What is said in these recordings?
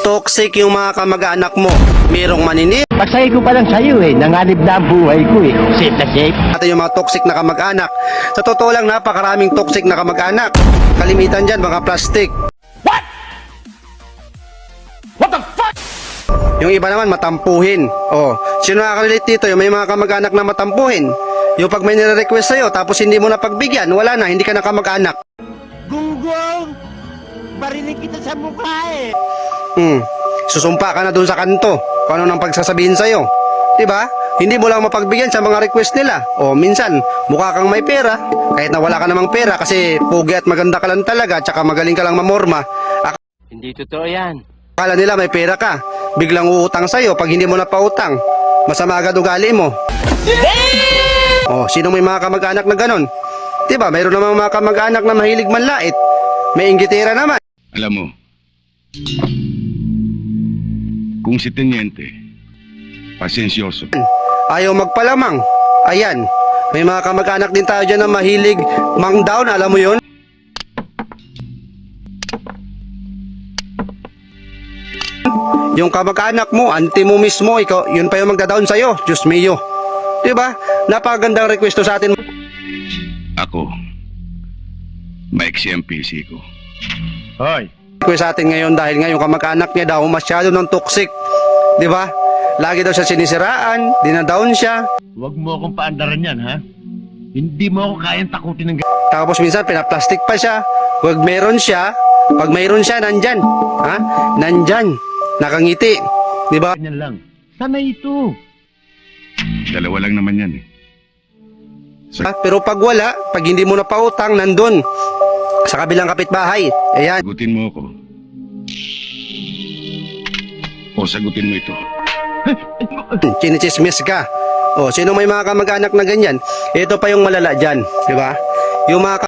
Toxic yung mga kamag-anak mo. Merong maninip. Pasay ko pa lang sa'yo nanganib na ang buhay ko Safe na safe. At yung mga toxic na kamag-anak. Sa totoo lang, napakaraming toxic na kamag-anak. Kalimitan dyan, mga plastic. What? What the fuck? Yung iba naman, matampuhin. Oh, sino nakaka-relate dito? Yung may mga kamag-anak na matampuhin. Yung pag may nire-request sa'yo, tapos hindi mo na pagbigyan, wala na, hindi ka na kamag-anak. Gunggong! Barinig kita sa mukha Susumpa ka na dun sa kanto kung ano nang pagsasabihin sa'yo. Diba? Hindi mo lang mapagbigyan sa mga request nila. O minsan, mukha kang may pera, kahit na wala ka namang pera kasi pugi at maganda ka lang talaga, tsaka magaling ka lang mamorma. Hindi totoo yan. Akala nila may pera ka, biglang uutang sa'yo pag hindi mo na pautang. Masama agad ugali mo. O, sino may mga kamag-anak na ganon? Diba? Mayroon namang mga kamag-anak na mahilig manlait. May inggitera naman. Alam mo, kung si Teniente, pasensyoso. Ayaw magpalamang. Ayan, may mga kamag-anak din tayo dyan na mahilig mang-down, alam mo yun? Yung kamag-anak mo, auntie mo mismo, ikaw, yun pa yung magda-down sa'yo. Diyos mio. Diba? Napakagandang request to sa atin. Ako, maiksi ang PC ko. Hoy! Request sa atin ngayon dahil nga yung kamag-anak niya daw masyado ng toxic. Diba? Lagi daw siya sinisiraan, dinadown siya. Huwag mo akong paandaran yan, ha? Hindi mo ako kayang takutin ng Tapos minsan pinaplastic pa siya. Pag meron siya, nandyan. Ha? Nandyan. Nakangiti. Diba? ganyan lang. Sana ito. Dalawa lang naman yan Pero pag wala, pag hindi mo na pautang, nandun. Sa kabilang kapitbahay. Ayan. Sagutin mo ako. O sagutin mo ito. Chinichismis ka. O, sino may mga kamag-anak na ganyan? Ito pa yung malala dyan. Diba? Yung mga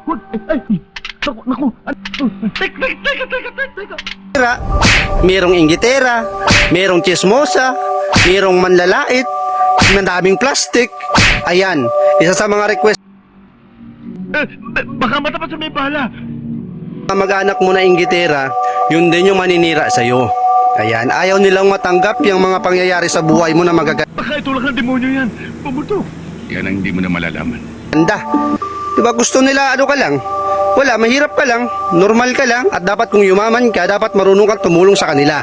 teka. Merong inggitera, merong chismosa, merong manlalait, madaming plastic. Ayan, isa sa mga request. Baka matapat sa may bala. Mag-anak mo na inggitera, yun din yung maninira sa'yo. Ayan, ayaw nilang matanggap yung mga pangyayari sa buhay mo na magaganda. Baka itulak ng demonyo yan. Pumutok. Yan ang hindi mo na malalaman. Diba gusto nila ano ka lang? Wala, mahirap ka lang, normal ka lang, at dapat kung yumaman ka, dapat marunong kang tumulong sa kanila.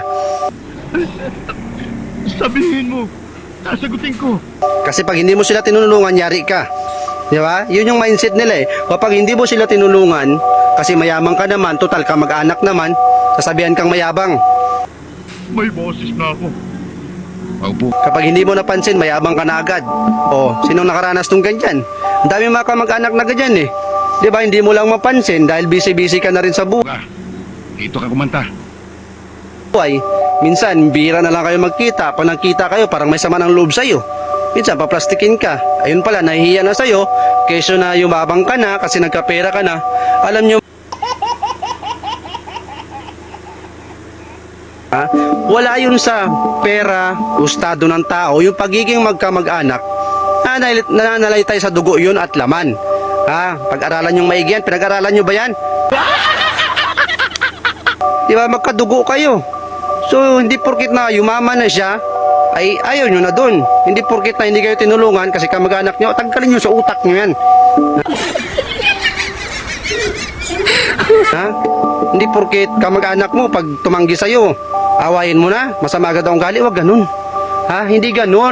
Sabihin mo. Sasagutin ko. Kasi pag hindi mo sila tinulungan, yari ka. Di ba? Yun yung mindset nila Kapag hindi mo sila tinulungan, kasi mayaman ka naman, total ka mag-anak naman, sasabihan kang mayabang. May boses na ako. Paupo. Kapag hindi mo napansin, mayabang ka na agad. O, sinong nakaranas nung ganyan? Ang dami mga kamag-anak na ganyan Di ba? Hindi mo lang mapansin dahil busy-busy ka na rin sa buhay. Dito ka kumanta. Minsan, bira na lang kayo magkita. Pag nagkita kayo, parang may sama ng loob sa'yo. Minsan, paplastikin ka. Ayun pala, nahihiya na sa'yo. Kesyo na yumabang ka na kasi nagkapera ka na. Alam nyo, wala yun sa pera, estado ng tao. Yung pagiging magkamag-anak, nananalay tayo sa dugo yun at laman. Pag-aralan yung maigi yan, pinag-aralan nyo ba yan? Di ba, magkadugo kayo. So, hindi porkit na yumaman na siya, ay ayaw nyo na dun. Hindi porkit na hindi kayo tinulungan kasi kamag-anak nyo, tanggalin nyo sa utak nyo yan. Hindi porkit kamag-anak mo, pag tumanggi sa'yo, awayin mo na, masama agad ang ugali, wag ganun. Hindi ganun.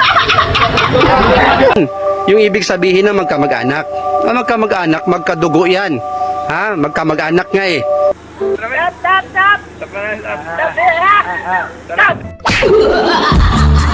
Yung ibig sabihin na magkamag-anak. Magkamag-anak, magkadugo yan. Magkamag-anak nga Stop!